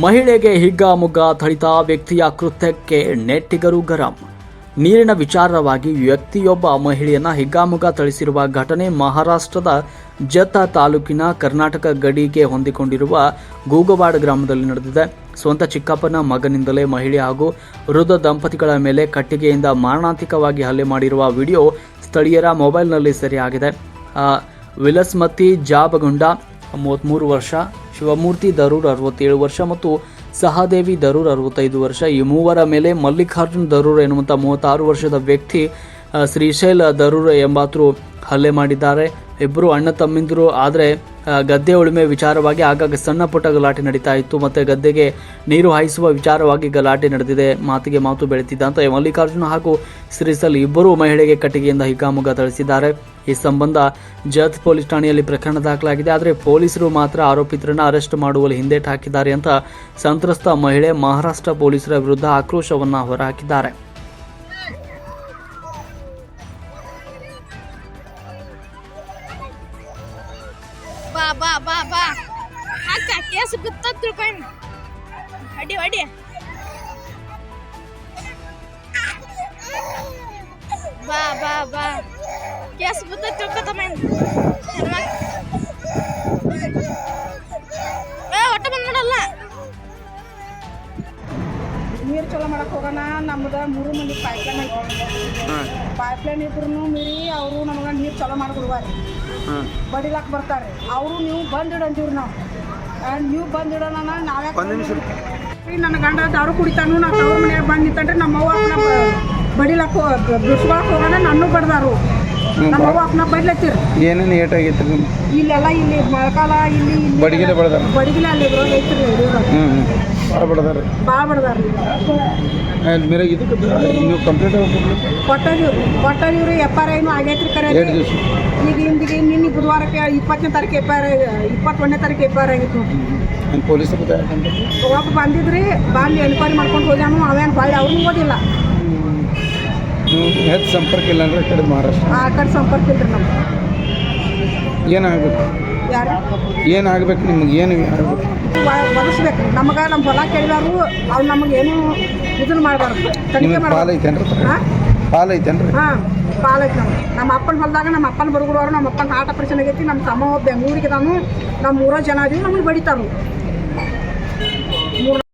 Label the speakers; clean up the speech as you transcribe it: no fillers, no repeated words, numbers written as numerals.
Speaker 1: ಮಹಿಳೆಗೆ ಹಿಗ್ಗಾಮುಗ್ಗ ಥಳಿತ ವ್ಯಕ್ತಿಯ ಕೃತ್ಯಕ್ಕೆ ನೆಟ್ಟಿಗರು ಗರಂ. ನೀರಿನ ವಿಚಾರವಾಗಿ ವ್ಯಕ್ತಿಯೊಬ್ಬ ಮಹಿಳೆಯನ್ನ ಹಿಗ್ಗಾಮುಗ್ಗ ಥಳಿಸಿರುವ ಘಟನೆ ಮಹಾರಾಷ್ಟ್ರದ ಜತ್ತ ತಾಲೂಕಿನ ಕರ್ನಾಟಕ ಗಡಿಗೆ ಹೊಂದಿಕೊಂಡಿರುವ ಗೂಗವಾಡ ಗ್ರಾಮದಲ್ಲಿ ನಡೆದಿದೆ. ಸ್ವಂತ ಚಿಕ್ಕಪ್ಪನ ಮಗನಿಂದಲೇ ಮಹಿಳೆ ಹಾಗೂ ವೃದ್ಧ ದಂಪತಿಗಳ ಮೇಲೆ ಕಟ್ಟಿಗೆಯಿಂದ ಮಾರಣಾಂತಿಕವಾಗಿ ಹಲ್ಲೆ ಮಾಡಿರುವ ವಿಡಿಯೋ ಸ್ಥಳೀಯರ ಮೊಬೈಲ್ನಲ್ಲಿ ಸೆರೆಯಾಗಿದೆ. ವಿಲಸ್ಮತಿ ಜಾಬಗುಂಡ 33 ವರ್ಷ, ಶಿವಮೂರ್ತಿ ದರೂರ್ 67 ವರ್ಷ ಮತ್ತು ಸಹದೇವಿ ದರೂರ್ 65 ವರ್ಷ. ಈ ಮೂವರ ಮೇಲೆ ಮಲ್ಲಿಕಾರ್ಜುನ್ ದರೂರ್ ಎನ್ನುವಂಥ 36 ವರ್ಷದ ವ್ಯಕ್ತಿ ಶ್ರೀಶೈಲ್ ದರೂರ್ ಎಂಬಾತರು ಹಲ್ಲೆ ಮಾಡಿದ್ದಾರೆ. ಇಬ್ಬರು ಅಣ್ಣ ತಮ್ಮಿಂದರು. ಆದರೆ ಗದ್ದೆ ಉಳುಮೆ ವಿಚಾರವಾಗಿ ಆಗಾಗ ಸಣ್ಣ ಪುಟ್ಟ ಗಲಾಟೆ ನಡೀತಾ ಇತ್ತು. ಮತ್ತೆ ಗದ್ದೆಗೆ ನೀರು ಹಾಯಿಸುವ ವಿಚಾರವಾಗಿ ಗಲಾಟೆ ನಡೆದಿದೆ. ಮಾತಿಗೆ ಮಾತು ಬೆಳೆತಿದ್ದಂತೆ ಮಲ್ಲಿಕಾರ್ಜುನ್ ಹಾಗೂ ಶ್ರೀಶೈಲ್ ಇಬ್ಬರು ಮಹಿಳೆಗೆ ಕಟ್ಟಿಗೆಯಿಂದ ಹಿಗ್ಗಾಮುಗ್ಗ ಥಳಿಸಿದ್ದಾರೆ. ಈ ಸಂಬಂಧ ಜತ್ ಪೊಲೀಸ್ ಠಾಣೆಯಲ್ಲಿ ಪ್ರಕರಣ ದಾಖಲಾಗಿದೆ. ಆದರೆ ಪೊಲೀಸರು ಮಾತ್ರ ಆರೋಪಿತರನ್ನು ಅರೆಸ್ಟ್ ಮಾಡುವಲ್ಲಿ ಹಿಂದೇಟು ಹಾಕಿದ್ದಾರೆ ಅಂತ ಸಂತ್ರಸ್ತ ಮಹಿಳೆ ಮಹಾರಾಷ್ಟ್ರ ಪೊಲೀಸರ ವಿರುದ್ಧ ಆಕ್ರೋಶವನ್ನು ಹೊರಹಾಕಿದ್ದಾರೆ.
Speaker 2: ಬಾ ಬಾ ಬಾ ಬಾ ಅಕ್ಕ ಕೇಸು ಬಿತ್ತ ತಿಳ್ಕೊಂಡು ಅಡಿ ಅಡಿ ಬಾ ಬಾ ಬಾ ಕೇಸು ಬಿತ್ತ ತಿಳ್ಕೊತಮ್ಮ ಒಟ್ಟ ಬಂದ್ ಮಾಡಲ್ಲ.
Speaker 3: ನೀರು ಚಲೋ ಮಾಡಕ್ಕೆ ಹೋಗೋಣ. ನಮ್ದು 3 ಮಂದಿ ಪೈಪ್ಲೈನ್ ಐತಿ. ಪೈಪ್ಲೈನ್ ಇದ್ರು ಮೀರಿ ಅವರು ನಮಗೆ ನೀರು ಚಲೋ ಮಾಡಿಕೊಡುವಾರಿ, ಬಡಿಲಾಕ್ ಬರ್ತಾರೆ. ಅವರು ನೀವು ಬಂದಿಡು ಅಂತೀವ್ರಿ ನಾವು. ನೀವು ಬಂದಿಡೋಣ ನಾವೇ ನನ್ನ ಗಂಡ ದಾರು ಕುಡಿತಾನು. ನಾವು ತವ್ರ ಮನೆಯಾಗ ಬಂದು ನಿಂತಂಡ್ರೆ ನಮ್ಮವ್ವ ಅಪ್ಪನ ಬಡಿಲಾಕ್ ಬಿಡ್ಸ್ಕೊಳಕ್ಕೆ ಹೋಗೋಣ. ನನ್ನ ಬಡ್ದಾರು ನಮ್ಮವ್ವ ಅಪ್ಪನ ಬಡ್ಲತ್ತೀರಿ.
Speaker 4: ಏನೇನು ಏಟಾಗೈತಿ
Speaker 3: ಇಲ್ಲೆಲ್ಲ ಇಲ್ಲಿ ಮೊಳಕಾಲ ಇಲ್ಲಿ
Speaker 4: ಬಡಿಗಿಲೆ ಬಡ್ದಾರ
Speaker 3: ಬಡಿಗಿಲೆ ಅಲ್ಲಿ ಐತ್ರಿ.
Speaker 4: ಭಾಳ ಬಡ್ದಾರ
Speaker 3: ಭಾಳ ಬಡ್ದಾರ್ರಿ.
Speaker 4: ಮೇರೆ ಇದಕ್ಕೆ ನೀವು ಕಂಪ್ಲೇಂಟ್
Speaker 3: ಕೊಟ್ಟಿವ್ರಿ. FRI ಆಗೈತ್ರಿ. ಕರೆ ಈಗ ಹಿಂದಿಗೆ ನಿನ್ನೆ ಬುಧವಾರಕ್ಕೆ 20ನೇ ತಾರೀಕು FIR, 21ನೇ ತಾರೀಕು FIR ಆಗಿತ್ತು ನೋಡ್ರಿ.
Speaker 4: ಪೊಲೀಸರು
Speaker 3: ಒಬ್ಬ ಬಂದಿದ್ರಿ, ಬಂದು ಎನ್ಕ್ವೈರಿ ಮಾಡ್ಕೊಂಡು ಹೋಗ್ಯಾನು. ಅವೇನು ಭಾಳ ಅವ್ರನ್ನೂ ಓದಿಲ್ಲ.
Speaker 4: ನೀವು ಹೆಚ್ಚು ಸಂಪರ್ಕ ಇಲ್ಲ ಅಂದ್ರೆ ಕಡೆ ಮಹಾರಾಷ್ಟ್ರ
Speaker 3: ಆ ಕಡೆ ಸಂಪರ್ಕ ಇಲ್ರಿ ನಮ್ಗೆ.
Speaker 4: ಏನಾಗಬೇಕು?
Speaker 3: ಯಾರು
Speaker 4: ಏನಾಗಬೇಕು? ನಿಮ್ಗೆ ಏನು ಆಗಬೇಕು?
Speaker 3: ಒದಸ್ಬೇಕು ನಮಗೆ. ನಮ್ಮ ಹೊಲ ಕೇಳಿದಾರು ಅವ್ರು ನಮಗೇನು ಇದನ್ನು ಮಾಡಬಾರ್ದು. ತನಿಖೆ
Speaker 4: ಪಾಲೈತೇನ್ರಿ? ಪಾಲೈತೇನ್ರಿ?
Speaker 3: ಹಾಂ, ಪಾಲೈತಿ. ನಮ್ಮ ಅಪ್ಪನ ಹೊಲದಾಗ ನಮ್ಮ ಅಪ್ಪನ ಬರುಗುಡವರು. ನಮ್ಮ ಅಪ್ಪನ ಆಟ ಪ್ರಶ್ನೆ ಆಗೈತಿ. ನಮ್ಮ ತಮ್ಮ ಬೆಂಗಳೂರಿಗೆ ನಾನು ನಮ್ಮ 3 ಜನ ಅದೀವಿ. ನಮಗೆ ಬಡಿತಾರು.